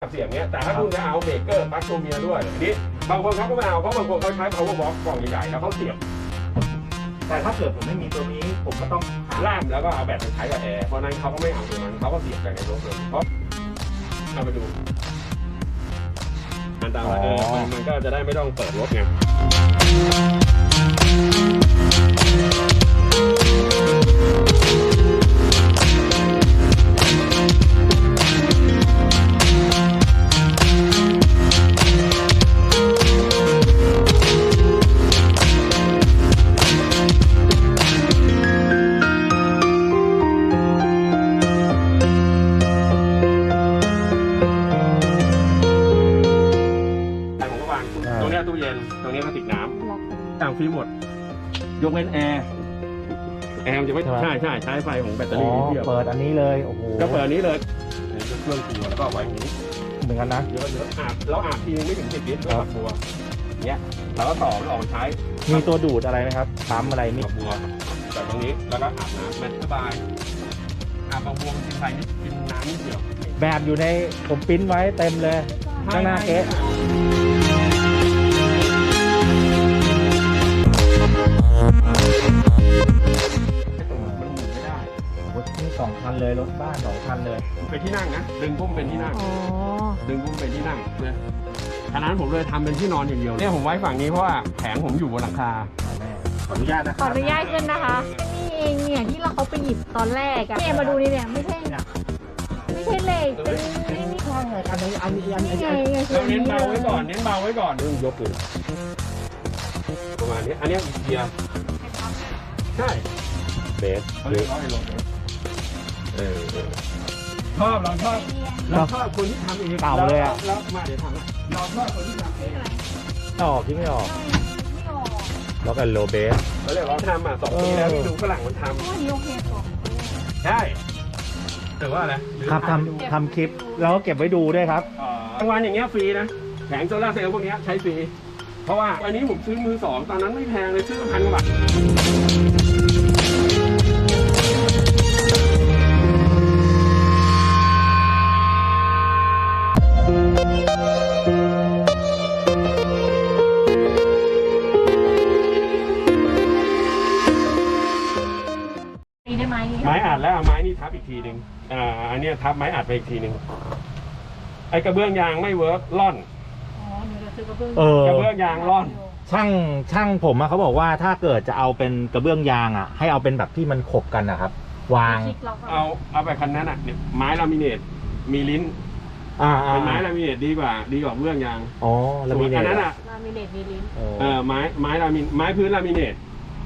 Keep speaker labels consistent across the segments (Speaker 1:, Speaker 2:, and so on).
Speaker 1: เสียบเนี้ยแต่ถ้าคุณจะเอาเบรกเกอร์ปลั๊กตัวเมียด้วยนี่บางคนเขาก็ไม่เอาเพราะบางคนเขาใช้ power box กล่องใหญ่ๆแล้วเขาเสียบ
Speaker 2: แต่ถ้าเกิดผมไม่มีตัวนี้ผมก็ต้อง
Speaker 1: ล่ามแล้วก็เอาแบตไปใช้กับแอร์เพราะนั้นเขาก็ไม่เอาตัวนั้นเขาก็เสียบจากในรถเลยเพราะเอาไปดูอันตรายมันก็จะได้ไม่ต้องเปิดรถไงตรงนี้ตู้เย็นตรงนี้ก็ติดน้ำต่างฟรีหมดยกเว้นแอร์มันจะไม่ใช่ใช้ไฟของแบตเตอรี่เดียว
Speaker 2: เปิดอันนี้เลยโอ้โห
Speaker 1: ก็เปิดอันนี้เลยเครื่องครัวแล้วก็ไว้อย่างนี้
Speaker 2: เหมือนกันนะ
Speaker 1: เยอะอาบเราอาบทีนึงไม่ถึง10 ลิตรด้วยฝักบัวเนี้ยเราก็ต่อแล้วออกใช้
Speaker 2: มีตัวดูดอะไรไหมครับปั๊มอะไรมี
Speaker 1: ฝักบัวจากตรงนี้แล้วก็อาบน้ำมันสบายอาบฝักบัวกินไฟนิดกินน้ำนิดเดียว
Speaker 2: แบบอยู่ในผมปิ้นไว้เต็มเลยข้างหน้าเก๊ะ
Speaker 1: มันหมุนไม่ได้
Speaker 2: รถนี่2 คันเลยรถบ้าน2 คันเลย
Speaker 1: เป็นที่นั่งนะดึงพุ่มเป็นที่นั่งดึงพุ่มเป็นที่นั่งเนี่ยขณะนั้นผมเลยทำเป็นที่นอนอย่างเดียวเนี่ยผมไว้ฝั่งนี้เพราะว่าแผงผมอยู่บนหลังคาขออนุญาตนะ
Speaker 3: ขออนุญาตขึ้นนะคะนี่เองเนี่ยที่เขาไปหยิบตอนแรกอะเนี่ยมาดูนี่เนี่ยไม่ใช่เหล็กเป็นนี่
Speaker 2: ข้างไงอันนี้
Speaker 1: เราเน้นเบาไว้ก่อนเรื่องยกเลยประมาณนี้อันนี้อีเกียใช่เบสเขาเรียกว่าไอ้รถชอบเราชอบคนที่ทำเอง
Speaker 2: เก่าเลยอ่ะ
Speaker 1: แล้วมาเดี๋ยวทำเราชอบคนที่ทำเอง
Speaker 2: ออกที่ไม่ออกล็อกกันโลเบส
Speaker 1: เขาเรียกว่าทำ2 ปีแล้วที่ดูฝรั่งมันทำ
Speaker 3: โอเค
Speaker 1: ใช่แต่ว่าอะไร
Speaker 2: ครับทำคลิปแล้วเก็บไว้ดูด้วยครับ
Speaker 1: กลางวันอย่างเงี้ยฟรีนะแผงโซล่าร์เซลล์พวกนี้ใช้ฟรีเพราะว่าอันนี้ผมซื้อมือ2ตอนนั้นไม่แพงเลยซื้อ1,000 กว่าบาทไม้อัดแล้วเอาไม้นี่ทับอีกทีหนึ่งอันนี้ทับไม้อัดไปอีกทีหนึ่งไอ้กระเบื้องยางไม่เวิร์กล่อน
Speaker 3: กระเบื้
Speaker 1: องยางร่อน
Speaker 2: ช่างผมเขาบอกว่าถ้าเกิดจะเอาเป็นกระเบื้องยางให้เอาเป็นแบบที่มันขบกันนะครับวาง
Speaker 1: เอาไปคันนั้นเนี่ยไม้ลามิเนตมีลิ้นเป็นไม้ลามิเนตดีกว่าเบื้องยาง
Speaker 2: ลามิเนต
Speaker 1: อันนั้น
Speaker 3: ลามิเนตมีลิ้น
Speaker 1: ไม้ลามิไม้พื้นลามิเนต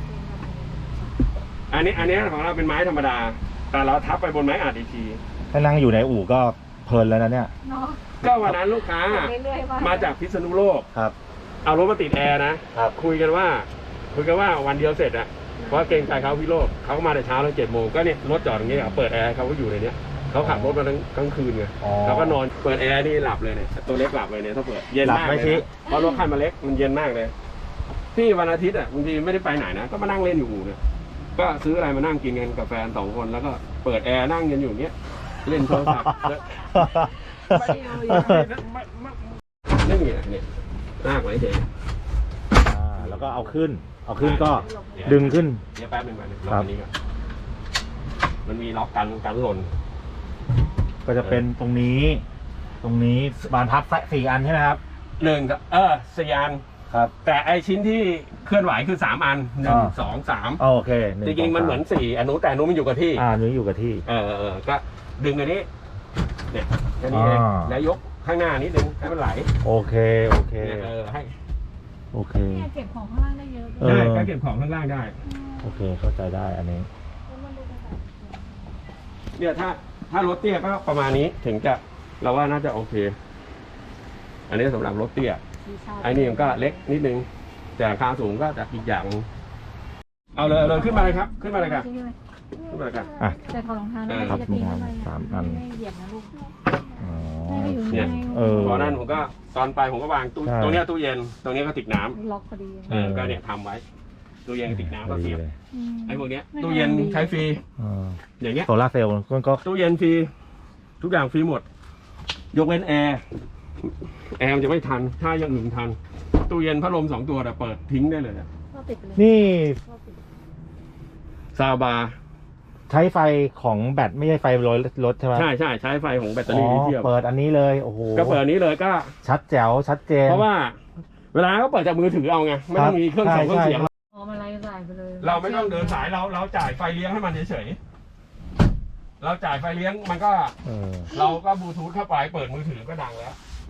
Speaker 1: อันนี้ของเราเป็นไม้ธรรมดาแต่เราทับไปบนไม้อัดอีกที
Speaker 2: ถ้านั่งอยู่ในอู่ก็เพลินแล้วนะเนี่ย
Speaker 1: ก็วันนั้นลูกค้ามาจากพิษณุโลก
Speaker 2: ครับ
Speaker 1: เอารถมาติดแอร์นะคุยกันว่าวันเดียวเสร็จเพราะเกรงใจเขาพิโลกเขาก็มาแต่เช้าแล้ว7 โมงก็เนี่ยรถจอดตรงนี้เปิดแอร์เขาก็อยู่ในนี้เขาขับรถมาทั้งกลางคืนไงเขาก็นอนเปิดแอร์นี่หลับเลยเนี่ยตัวเล็กหลับเลยเนี่ยถ้าเปิดเย็นมากเลยเพราะรถคันมาเล็กมันเย็นมากเลยพี่วันอาทิตย์บางทีไม่ได้ไปไหนนะก็มานั่งเล่นอยู่อู่เนี่ยก็ซื้ออะไรมานั่งกินกันกับแฟน2 คนแล้วก็เปิดแอร์นั่งกันอยู่เนี้ยเล่นโทรศัพท์นี่เนี่ยลากไว้เฉย
Speaker 2: แล้วก็เอาขึ้นก็ดึงขึ้น
Speaker 1: เดี๋ยวแป๊บนึงล็อกนี้ก่อนมันมีล็อกกันหล่น
Speaker 2: ก็จะเป็นตรงนี้บานพับ4 อันใช่ไหมครับ
Speaker 1: 1ครับ4 อัน
Speaker 2: ครับ
Speaker 1: แต่ไอชิ้นที่เคลื่อนไหวคือ3 อัน1 2 3
Speaker 2: โอเค
Speaker 1: จริงๆมันเหมือน4อันนู้นแต่นู้นมันอยู่กับที่
Speaker 2: นู้นอยู่กับที่
Speaker 1: ก็ดึงอันนี้เนี่ยแค่นี้เองแล้วยกข้างหน้านิดนึงให้มันไหล
Speaker 2: โอเค
Speaker 1: ให้
Speaker 2: โอเค
Speaker 3: เก็บของข้างล่างได้เยอะ
Speaker 1: ได้ก็เก็บของข้างล่างได้
Speaker 2: โอเคเข้าใจได้อันนี้
Speaker 1: เนี่ยถ้ารถเตี้ยก็ประมาณนี้ถึงจะเราว่าน่าจะโอเคอันนี้สำหรับรถเตี้ยไอ้นี่มันก็เล็กนิดนึงแต่ราคาสูงก็จะอีกอย่างเอาเลยขึ้นมาเลยครับขึ้นมาเลยครับขึ้นมาเลยครับ
Speaker 3: แต่ถอดรองเท้า
Speaker 2: ครับรองเท้า3 อัน
Speaker 3: ไม่เหยียบนะลูก
Speaker 1: เนี่ยตอนนั้นผมก็ตอนไปผมก็วางตรงนี้ตู้เย็นตรงนี้ก็ติดน้
Speaker 3: ำล็อกพอดี
Speaker 1: ก็เนี่ยทำไว้ตู้เย็นติดน้ำก็เสียบไอ้พวกนี้ตู้เย็นใช้ฟรีอย่างเงี้ย
Speaker 2: โซล่าเซลล์ก็
Speaker 1: ตู้เย็นฟรีทุกอย่างฟรีหมดยกเว้นแอร์มันจะไม่ทันถ้าอย่างอื่นทันตู้เย็นพัดลม2 ตัวแต่เปิดทิ้งได้เลยอะ
Speaker 3: ก็ปิดไปเลย
Speaker 2: นี่
Speaker 3: ก็ปิด
Speaker 1: ซาวบาร์
Speaker 2: ใช้ไฟของแบตไม่ใช่ไฟรถใช่ไหม
Speaker 1: ใช่ใช้ไฟของแบตเตอ
Speaker 2: อ๋
Speaker 1: รี่
Speaker 2: อ
Speaker 1: ลิเธียม
Speaker 2: เปิดอันนี้เลยโอ้โห
Speaker 1: ก็เปิดอันนี้เลยก็
Speaker 2: ชัดแจ๋วชัดเจน
Speaker 1: เพราะว่า เวลาเขาเปิดจากมือถือเอาไงไม่ต้องมีเครื่อง
Speaker 2: ใช่
Speaker 1: เครื่องเสียง
Speaker 2: ใช่
Speaker 3: อ๋อมาไล่สายไปเลย
Speaker 1: เราไม่ต้องเดินสายเราจ่ายไฟเลี้ยงให้มันเฉยๆเราจ่ายไฟเลี้ยงมันก็
Speaker 2: เออ
Speaker 1: เราก็บลูทูธเข้าไปเปิดมือถือก็ดังแล้ว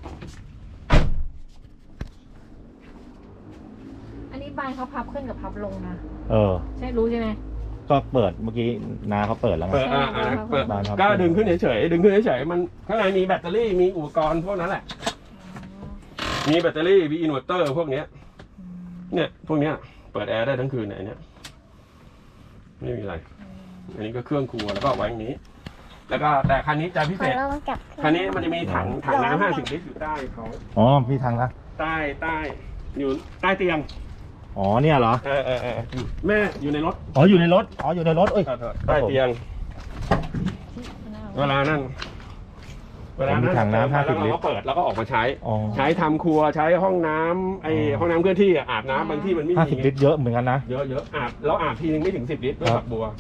Speaker 3: อันนี้บานเขาพับขึ้นกับพับลงนะ
Speaker 2: เออ
Speaker 3: ใช่รู้ใช่ไหม
Speaker 2: ก็เปิดเมื่อกี้นาเขาเปิดแล้วไง
Speaker 1: เปิดเปิด
Speaker 2: บานครับ
Speaker 1: ก็ดึงขึ้นเฉยๆดึงขึ้นเฉยๆมันข้างในมีแบตเตอรี่มีอุปกรณ์พวกนั้นแหละ มีแบตเตอรี่มีอินเวอร์เตอร์พวกเนี้ย เนี่ยพวกเนี้ยเปิดแอร์ได้ทั้งคืนเนี่ยไม่มีอะไร อันนี้ก็เครื่องครัวแล้วก็ไว้อย่างนี้ แล้วก็แต่คันนี้จะพิเศษคันนี้มันจะมีถังน้ำ50 ลิตรอยู่ใต้เขา
Speaker 2: อ๋อพี่ทางนะ
Speaker 1: ใต้อยู่ใต้เตียง
Speaker 2: อ๋อเนี่ยเหรอ
Speaker 1: อยู่แม่อยู่ในรถ
Speaker 2: อ๋ออยู่ในรถอ๋ออยู่ในรถเอ้ย
Speaker 1: ใต้เตียง เวลานั้น
Speaker 2: ถังน้ำ50
Speaker 1: แล้ว
Speaker 2: ลิต
Speaker 1: เรา
Speaker 2: ร
Speaker 1: ก็เปิดแล้วก็ออกมาใช้
Speaker 2: อ๋อ
Speaker 1: ใช้ทำครัวใช้ห้องน้ำห้องน้ำเคลื่อนที่อะอาบน้ำบางที่มันไม่มี
Speaker 2: 50 ลิตรเยอะเหมือนกันนะ
Speaker 1: เยอะอาบเราอาบทีนึงไม่ถึง10 ลิตรด้วย
Speaker 2: ครับ
Speaker 1: ฝักบัว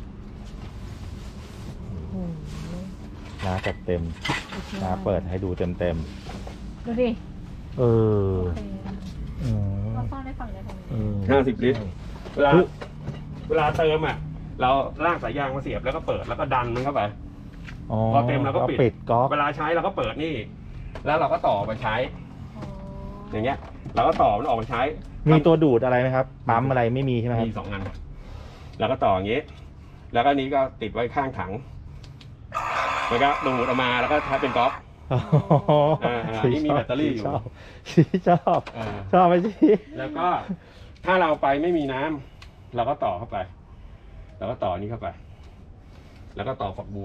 Speaker 2: นาจัดเต็มนาเปิดให้ดูเต็ม
Speaker 3: ดูดิ
Speaker 2: ๆเออ
Speaker 3: โอเค
Speaker 2: อืม
Speaker 3: เราซ่อนได้ฝั่งไหนฝั่งนี้
Speaker 2: อืม
Speaker 1: 50 ลิตร เวลาเติมอ่ะเราลากสายยางมาเสียบแล้วก็เปิดแล้วก็ดันมันเข้าไป
Speaker 2: อ๋อ
Speaker 1: พอเต็มเราก็ปิด
Speaker 2: ก๊อก
Speaker 1: เวลาใช้เราก็เปิดนี่ แล้วเราก็ต่อไปใช้
Speaker 3: อ๋อ
Speaker 1: อย่างเงี้ย เราก็ต่อมันออกมาใช้
Speaker 2: มีตัวดูดอะไรไหมครับ ปั๊มอะไรไม่มีใช่ไหมครับ
Speaker 1: มี2 อัน แล้วก็ต่ออย่างงี้ แล้วก็นี้ก็ติดไว้ข้างถังแล้วก็ดูดออกมาแล้วก็ใช้เป็นก๊อก
Speaker 2: อ๋อ
Speaker 1: นี่มีแบตเตอรี่อยู่
Speaker 2: ชอบ
Speaker 1: เออ
Speaker 2: ชอบไหมจี
Speaker 1: แล้วก็ถ้าเราไปไม่มีน้ำเราก็ต่อเข้าไป แล้วก็ต่อนี้เข้าไป แล้วก็ต่อฝักบัว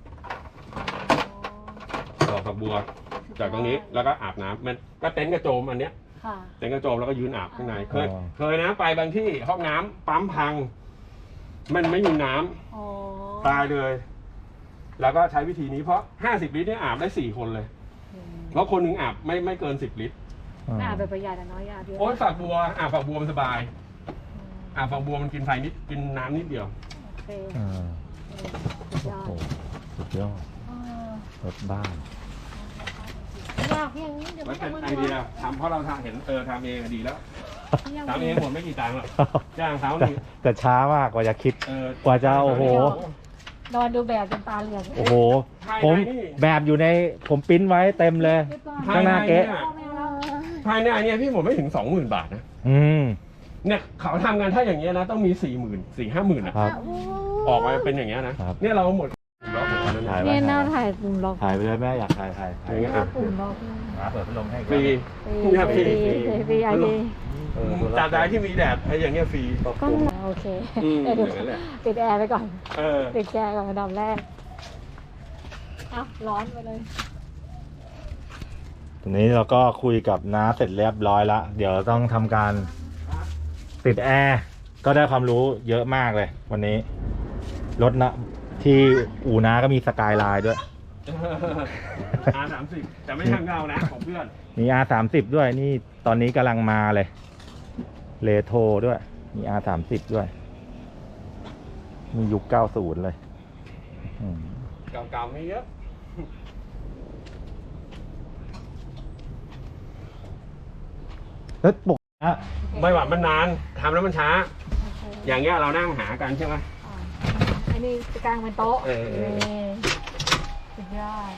Speaker 1: ต่อฝักบัว จากตรงนี้แล้วก็อาบน้ำมันก็เต็นท์กระโจมอันเนี้ย
Speaker 3: ค่ะ
Speaker 1: เต็นท์กระโจมแล้วก็ยืนอาบข้างในเคยนะไปบางที่ห้องน้ำปั๊มพัง มันไม่มีน้ำ
Speaker 3: อ๋อ
Speaker 1: ตายเลย แล้วก็ใช้วิธีนี้เพราะ50 ลิตรเนี่ยอาบได้4 คนเลย เพราะคนหนึ่งอาบไม่เกิน10 ลิตร
Speaker 3: น่าไปประหยัดอะน้อยอาบเยอะ
Speaker 1: โอ๊ยฝักบัวอาบฝักบัวมันสบายอาบฝักบัวมันกินไฟนิดกินน้ำนิดเดียว
Speaker 3: โอเค
Speaker 2: อ่า
Speaker 3: สุดยอ
Speaker 2: โอ้
Speaker 3: ด
Speaker 2: โหสุดยอด
Speaker 3: เออ
Speaker 2: รถบ้าน
Speaker 3: อยากอย่างนี้เดี๋ยว
Speaker 1: มั
Speaker 3: ไม่
Speaker 1: นเป็น
Speaker 3: ทำ
Speaker 1: ไอเดียทำเพราะเราทำเห็นทำเองอะดีแล้วทำเองหมดไม่กี่ตังค์หรอกจ้างเขา
Speaker 2: แต่
Speaker 1: นี่
Speaker 2: แต่ช้ามากกว่าจะคิด กว่าจะโอ้โห
Speaker 3: นอนดูแบบจนตาเหลือก
Speaker 2: โอ้โห ผมแบบอยู่ในผมปริ้นไว้เต็มเลย ข้างหน้าเก๊ะ
Speaker 1: ภายในอันเนี้ยพี่ผมไม่ถึง 20,000 บาทนะ
Speaker 2: อืม
Speaker 1: เนี่ยเขาทำกันถ้าอย่างเงี้ยนะต้องมี 40,000 4-50,000
Speaker 2: ครับ
Speaker 1: ออกมาเป็นอย่างเงี้ยนะครับ เนี่ยเราหมดล็อกหมดแล้วนะ
Speaker 2: ถ่ายไว้
Speaker 3: เนี่ยหน้าถ่ายปุ่มล็อก
Speaker 2: ถ่ายไปเลยแม่อยากถ่าย
Speaker 1: อย่างเงี้ย
Speaker 3: หน้า
Speaker 1: อ่ะ
Speaker 3: ปุ่มล็อก
Speaker 2: เปิดพัดลมให้
Speaker 1: ฟรี เนี่ยฟรี
Speaker 3: ฟรีไอดี
Speaker 1: ตราบใดที่มีแดดไอ้อย่างเงี้ยฟรี
Speaker 3: ก็โอเค
Speaker 1: อืม
Speaker 3: เดี๋ยว
Speaker 1: อย่างนั้นแหละ
Speaker 3: ปิดแอร์ไปก่อน
Speaker 1: เออ
Speaker 3: ปิดแอร์ก่อนอันดับแรกอ้าวร้อนไปเลย
Speaker 2: ทีนี้เราก็คุยกับน้าเสร็จเรียบร้อยละเดี๋ยวต้องทำการติดแอร์ก็ได้ความรู้เยอะมากเลย วันนี้รถนะที่อู่น้าก็มีสกายไลน์ด้วย
Speaker 1: R30 แต่ไม่ทางเงานะของเพื่อน
Speaker 2: มี R30 ด้วยนี่ตอนนี้กำลังมาเลยเลโทรด้วยมี R30 ด้วยมียุค 90 เลยอืม
Speaker 1: เก่าๆมีเยอะ
Speaker 2: แล้วปกติ
Speaker 1: ไม่หวานมันนานทำแล้วมันช้า อย่างเงี้ยเรานั่งหากันใช่ไหม
Speaker 3: อันนี้จะกลางเป็นโต๊ะ
Speaker 1: เออ
Speaker 3: นี่สุดยอด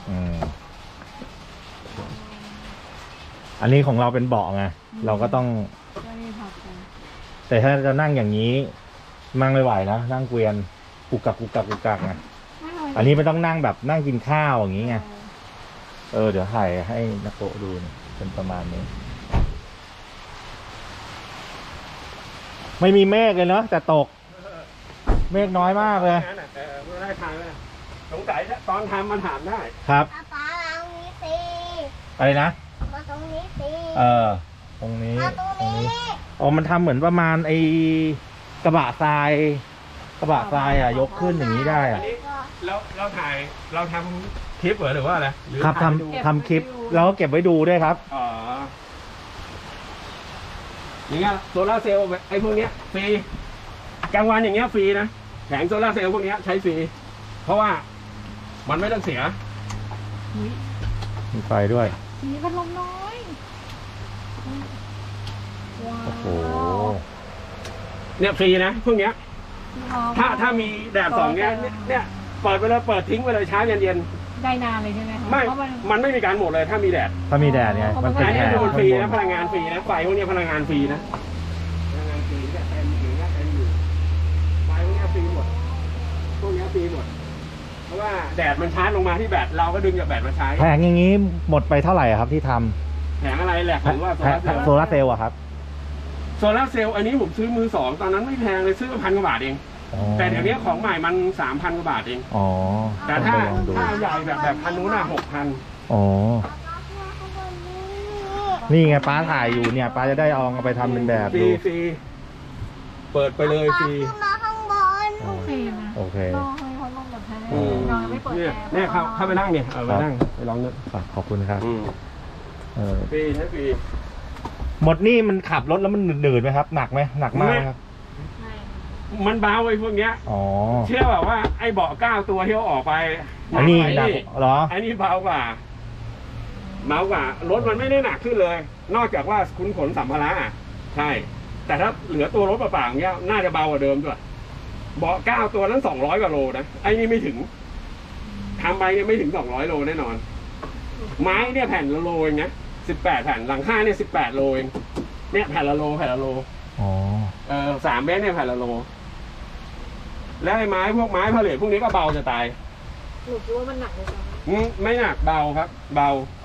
Speaker 2: อันนี้ของเราเป็นเบาะไงเราก็ต้อง
Speaker 3: ก็นี่ผักกัน
Speaker 2: แต่ถ้าจะนั่งอย่างนี้นั่งไม่ไหวนะนั่งเกวียนกุกกักไงอันนี้ไม่ต้องนั่งแบบนั่งกินข้าวอย่างนี้ไงเดี๋ยวถ่ายให้นักโกะดูนะเป็นประมาณนี้ ไม่มีเมฆเลยเนาะแต่ตก เมฆน้อยมากเลย
Speaker 1: ไม่ได้ทางเลยสงสัยตอนทำมันถามได้
Speaker 2: ครับ
Speaker 4: ป๊าตรงนี้สิ
Speaker 2: อะไรนะ
Speaker 4: มาตรงนี้สิ
Speaker 2: ตรงนี้
Speaker 4: มาตรงนี้
Speaker 2: อ๋อมันทำเหมือนประมาณไอ้กระบะทราย ยกขึ้นอย่างนี้ได้
Speaker 1: อั
Speaker 2: อะ
Speaker 1: นนี้เราถ่ายเราทำคลิปเหรอหรือว่าอะไรหรือ
Speaker 2: ครับ
Speaker 1: ถ่ายให้ดู
Speaker 2: ทำคลิปแล้วก็เก็บไว้ดูด้วยครับ
Speaker 1: อ๋ออย่างเงี้ยโซลาร์เซลล์ไอ้พวกเนี้ยฟรีกลางวันอย่างเงี้ยฟรีนะแผงโซลาร์เซลล์พวกเนี้ยใช้ฟรีเพราะว่ามันไม่ต้องเสีย
Speaker 3: อุ๊ย
Speaker 2: มีไฟด้วย
Speaker 3: สีพัดลมน้อยว้าว
Speaker 2: โอ้โห
Speaker 1: เนี่ยฟรีนะพวกเนี้ย ถ้ามีแดดส่องเนี้ยเนี่ยเปิดไปเลยเปิดทิ้งไปเลยเช้าเย็น
Speaker 3: ได้นานเลยใช่ไหมคะ
Speaker 1: ๆไม่
Speaker 3: เพราะมัน
Speaker 1: มันไม่มีการหมดเลยถ้ามีแดด
Speaker 2: ถ้ามีแดดเนี่ยมันเป็น
Speaker 1: อัน
Speaker 2: แผ
Speaker 1: นี้
Speaker 2: ง
Speaker 1: คือมันฟรี
Speaker 2: ข้างบ
Speaker 1: นะพลังงานฟรีนะไฟพวกเนี้ยพลังงานฟรีนะพลังงานฟรีเนี่ยเต็มอยู่เนี่ยเต็มอยู่ไฟพวกเนี้ยฟรีหมดพวกเนี้ยฟรีหมดเพราะว่าแดดมันชาร์จลงมาที่แบตเราก็ดึงจากแบตมาใช้
Speaker 2: แผงอย่างนี้หมดไปเท่าไหร่อะครับที่ทำ
Speaker 1: แผงอะไรแหละผมว่าโซ
Speaker 2: แผ
Speaker 1: ลาง ร์เซลล์
Speaker 2: โซลาร์เซลล์อะครับ
Speaker 1: โซลาร์เซลล์อันนี้ผมซื้อมือสองตอนนั้นไม่แพงเลยซื้อ1,000 กว่าบาทเอง
Speaker 2: อ๋อ
Speaker 1: แต่เดี๋ยวนี้ของใหม่มัน 3,000 กว่าบาทเอง
Speaker 2: อ๋อ
Speaker 1: แต่
Speaker 2: ต้อง
Speaker 1: ถ้า
Speaker 2: ไปลองดู
Speaker 1: ถ้าใหญ่แบบคันนู้นน่ะ6,000
Speaker 2: อ๋อ
Speaker 4: ข้างบนนี้
Speaker 2: นี่ไงป้าถ่ายอยู่เนี่ยป้าจะได้เอาไปทำเป็นแบบ
Speaker 1: ฟรี
Speaker 2: ดู
Speaker 1: ฟรีเปิดไปเลยฟรี
Speaker 4: ขึ้นมาข้างบน
Speaker 3: โอเคนะ
Speaker 2: โอเค
Speaker 3: รอให้พัดลมแบบแท้
Speaker 2: อืม
Speaker 3: นอนไม่เปิด
Speaker 1: เนี่ย
Speaker 3: แอร์
Speaker 1: เนี่ยเข้าไปนั่งเนี่ยเอาไปนั่งไปลองนึก
Speaker 2: ขอบคุณครับ เออ
Speaker 1: ฟรีใช้ฟรี
Speaker 2: หมดนี่มันขับรถแล้วมันหนืดๆไหมครับ หนักไหมหนักมากไหมครับ
Speaker 3: ใช่
Speaker 1: มันเบาไอ้พวกเนี้ย
Speaker 2: อ๋อ
Speaker 1: เชื่อแบบว่าไอ้เบาะ9 ตัวที่เขาออกไป
Speaker 2: อันนี้
Speaker 1: ก
Speaker 2: หนัก
Speaker 1: ว่า
Speaker 2: เหรอ
Speaker 1: อันนี้เบากว่ารถมันไม่ได้หนักขึ้นเลย นอกจากว่าคุณขนสัมภาระอ่ะใช่ แต่ถ้าเหลือตัวรถเปล่าๆอย่างเงี้ยน่าจะเบากว่าเดิมด้วยเบาะ9 ตัวนั้น200 กว่าโลนะไอ้นี่ไม่ถึงทำไปเนี่ยไม่ถึง200 โลแน่นอน ไม้เนี่ยแผ่นละโลเองนะ18 แผ่นหลังคาเนี่ย18 โลเองเนี่ยแผ่นละโล
Speaker 2: อ๋อ
Speaker 1: 3 เมตรเนี่ยแผ่นละโล แล้วไอ้ไม้พวกไม้ผลิตพวกนี้ก็เบาจะตาย
Speaker 3: หนูคิดว่ามันหนักเลยจ้ะ
Speaker 1: ไม่หนักเบาครับ เบา